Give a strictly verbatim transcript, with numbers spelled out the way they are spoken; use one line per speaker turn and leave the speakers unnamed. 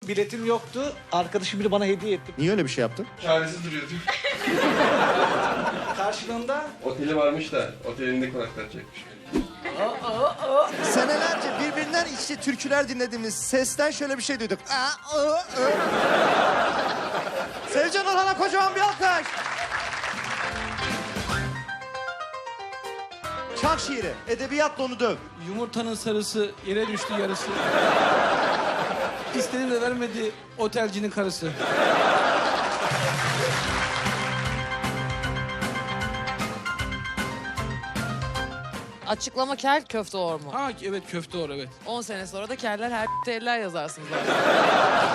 Biletim yoktu. Arkadaşım biri bana hediye etti.
Niye öyle bir şey yaptın?
Çaresiz duruyordu.
Karşılığında
Oteli varmış da otelinde konaklatacakmış.
Senelerce birbirinden içli türküler dinlediğimiz sesten şöyle bir şey duyduk. Aa, ı, ı. Sevcan Orhan'a kocaman bir alkış. Çak şiiri. Edebiyatla onu döv.
Yumurtanın sarısı yere düştü yarısı. İstedi de vermedi otelcinin karısı.
Açıklama kel köfte or mu?
Ha evet köfte or evet.
on sene sonra da keller her eller yazarsınız zaten.